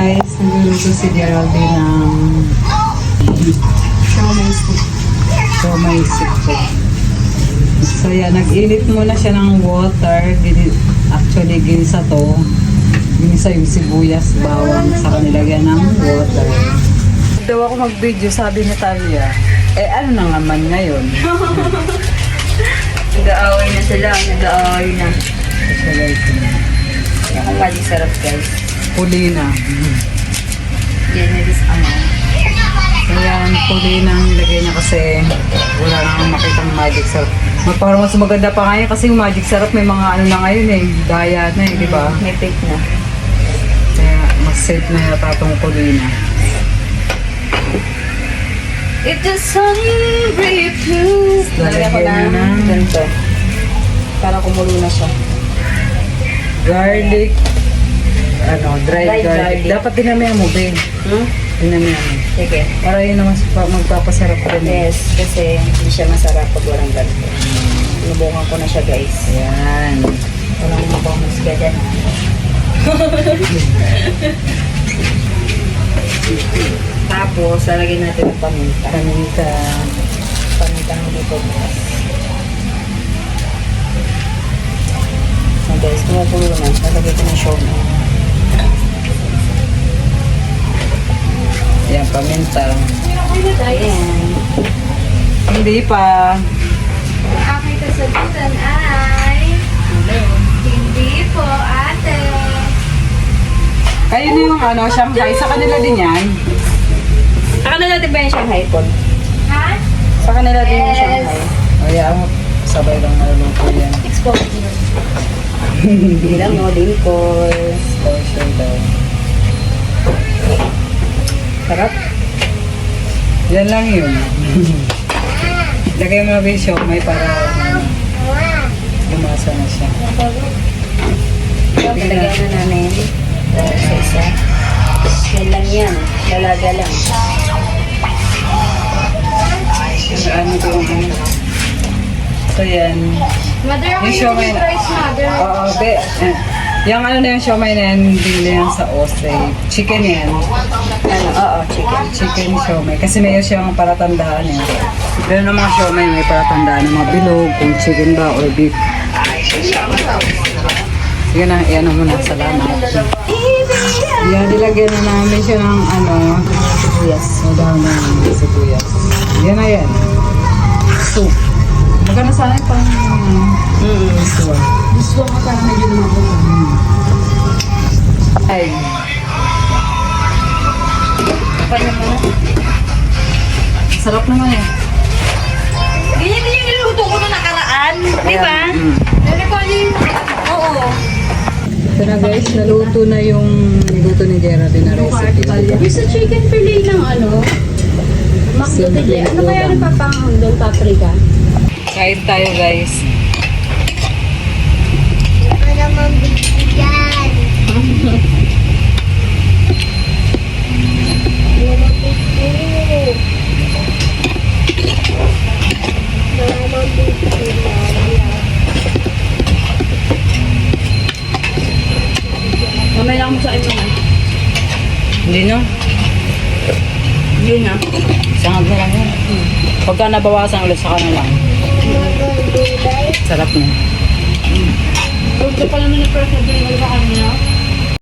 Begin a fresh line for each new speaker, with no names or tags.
guys, nagluluto si Geraldine ng siomai soup. So yan, nag-init muna siya ng water. Actually, ginisa to. Ginisa yung sibuyas, bawang, saka nilagyan ng water. Daw ako mag-video, sabi ni Talia. Eh, ano na naman ngayon?
Nag-aaway na sila, nag-aaway na. Ang pali sarap guys.
Puli na.
Generous amount.
Ayan, puli na ang nilagay niya kasi wala nang makitang magic syrup. Parang mas maganda pa ngayon kasi yung magic syrup may mga ano na ngayon eh, daya na eh, di ba?
May fake na.
Kaya mas safe na yata itong puli na.
If the sun refused. Lalagyan ko
Lalagyan
na
na.
ganito. Para kumulo na siya.
Garlic, dried
Dried
garlic.
garlic.
Dapat dinamihan mo, babe. Dinamihan mo.
Sige.
Para yun naman magpapasarap rin.
Yes, kasi hindi siya masarap pag walang ganito. Sinubukan ko na siya guys.
Ayan.
Walang mapamusga dyan. Tapos, lalagyan natin ng paminta.
Paminta.
Paminta ng dito bukas. So guys, kumukulo na. Lalagyan ko ng siomai.
Ayan, paminta.
Ayan.
Hindi pa.
Ang aking kasagutan ay hindi po, ate.
Kayo na yung Shanghai. Sa kanila din yan.
Sa kanila din ba yung Shanghai po?
Ha?
Sa kanila din yung
Yes.
Shanghai.
O yan, sabay lang naluluto yan.
Exposure. Hindi lang no, dimples.
Special daw.
Sarap.
Yan lang yun. Lagay mo na ba yung siomai para lumasa na siya.
Lagyan na namin. Isa-isa. Yan lang yan. Lalaga lang.
Ano ko yung So yan.
Mother,
Yung
ako
siomai
yung
na.
rice, mother.
Oo, yung na yung siomai na yan, hindi na yan sa osay. Chicken yan.
Oo, chicken.
Chicken siomai. Kasi may siyang palatandaan eh. Pero ng mga siomai may palatandaan ng mga bilog, kung chicken ba or beef. Sige na, iyan mo na. Salamat. Yan, nilagyan na namin siya ng sibuyas. Madami ng sibuyas. Yan na yan. Soup. Magkano sana yung pang gusto. Gusto ka para medyo naman. Ay.
Kanya mo na.
Sarap naman eh.
Ganyan din yung niluto ko na nakaraan. Di ba?
Dali ko yung...
Oo.
Ito na guys, naluto na yung niluto ni Geraldine na recipe.
Yung sa chicken fillet ng
Simple.
Ano kaya nagpapang doon paprika?
Kain tayo guys.
Ano naman bigyan?
Mamaya lang mo sa ito.
Hindi no?
Yun na.
Sangag na lang yun. Pagka nabawasan ulit sa kanila. Sarap na.
Huwag ka pala na na-pressure din. Wala ba kanina?